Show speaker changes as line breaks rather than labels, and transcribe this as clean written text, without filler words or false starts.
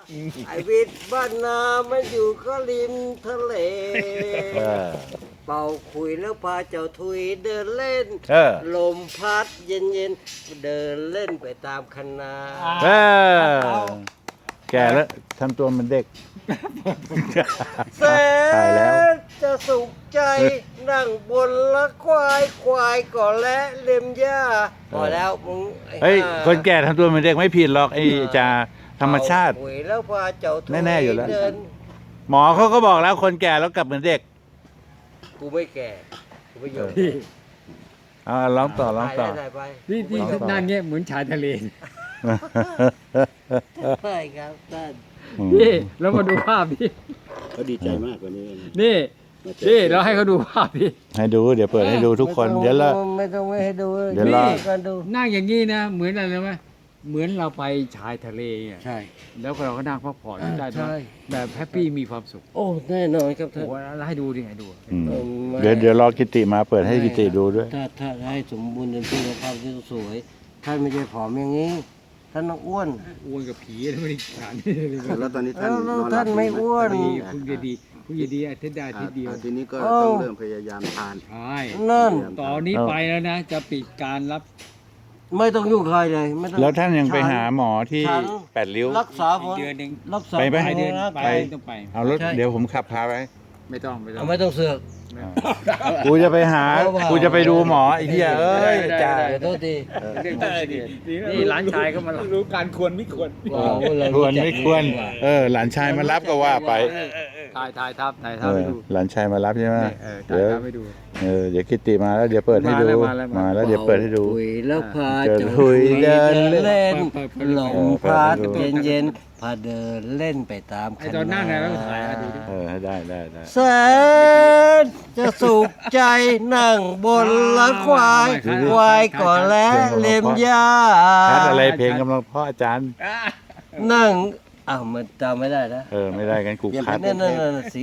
ไอวิทย์บ้านนามันอยู่ก็ริมทะเล
เออ
เป่าคุยแล้วพาเจ้าทุยเดินเล่น
เออ
ลมพัดเย็นๆเดินเล่นไปตามคณะ
เออแก่แล้วทำตัวเหมันเด็ก
แส
ตายแล้ว
นจะสุขใจนั่งบนละควายก่อนและเล็มหญ้าพอแล้วมึงไอ้
เฮ้ย
ห่า
คนแก่ทำตัวเหมันเด็กไม่ผิดหรอกไอ้จาธรรมชาติ
เป่คุยแล้วพาเจ้าทุย
แน่ๆอยู่แล้ว
เดิน
หมอเขาก็บอกแล้วคนแก่แล้วกลับเหมือนเด็ก
กูไม่แก่กูไม่ยอม
พี่
ร้องต่อร้องต่อ
ถ่ายไป
พี่ที่
ลองต่อ
นั่งเงี้ยเหมือนชายทะเล
ใช่ครับท่าน
พี่แล้วมาดูภาพพี่
เขาดีใจมากกว่านี้
นี่พี่เราให้เขาดูภาพพี่
ให้ดูเดี๋ยวเปิดให้ดูทุกคนเดี๋ยวละ
ไม่ต้องไม่ให้ดู
เดี๋ยวรอ
กันดู
นั่งอย่างนี้นะเหมือนอะไรรู้ไหมเหมือนเราไปชายทะเลอ่ะ
ใช่
แล้วเราก็นั่งพักผ่อนได้
ใช่
แบบแฮปปี้มีความสุข
โอ้แน่นอนครับ
โอ้
ท่าน
โหแล้วให้ดูดิให้ดู
อืม
เออ
เดี๋ยวรอกิติมาเปิดให้กิติดูด้วย
ถ้าให้สมบูรณ์เต็มที่แล้วภาพที่สวยท่านไม่ใช่ผอมอย่างนี้ท่านต้องอ้วน
อ้วนกับผีแล้วไม่ได้ขนาดนี้เลย
แล้วตอนนี้ท่าน
แล้ว
นอนหลับ
ท่านไม่อ้วน
ดีคุณจะดีคุณจะดีอาทิตย์ได้อาทิตย์เดียว
ทีนี้ก็
เอ้า
ต้องเริ่มพยายามทาน
ใช่
นั่น
ตอนนี้ไปแล้วนะ จะปิดการรับ
ไม่ต้องยุ่งใครเลยไม่ต้อง
แล้วท่านยังไปหาหมอที่
ฉัน
แปดริ้ว
รักษาผล
เดือนหนึ่ง
รักษา
ไปไหม
ไปเดือน
ร่าง
ไป
กาย
ต้องไป
เอารถ
ใช่
เดี๋ยวผมขับพาไป
ไม่ต้องไม่ต้อง
เอาไม่ต้องเสือก
กูจะไปหา
เอาเปล่า
กูจะไปดูหมอไอ้เหี้ยเอ้ยจ้า
เดี๋ยวโทษที
นี่ร้านชายก็มารู้การควรไม่ควร
ว้าวเรา
ควร
จัก
ไม่ควร
ดีกว่า
หลานชายมารับก็ว่าไป
ถ่ายทับ
เอ
ไป
อ
ดู
หลานชายมารับใช่ไหม
ถ่าย
เดี๋ยว
ทับไปดู
เดี๋ยวกิติมาแล้วเดี๋ยวเปิดให้ดู
มาแล้ว
มาแล้วเดี๋ยวเปิดให้ดู
คุยแล้วพา
เดิน
เจ้า
คุยเดิน
เล่น
เปิด
ลม
เปิด
พัด
ให้ดู
เย็นๆพาเดินเล่นไปตาม
ไอ้ตอนนั่งไงแล้วถ่ายให้ดูดิ
ให้ได้
แสนจะสุขใจนั่งบนละควายก่อนและเล็มหญ้า
คัดอะไรเพลงกำลังเพราะอาจารย์
นั่งอ้าวมันจำไม่ได้นะ
ไม่ได้กันกูคัด
นั่นสี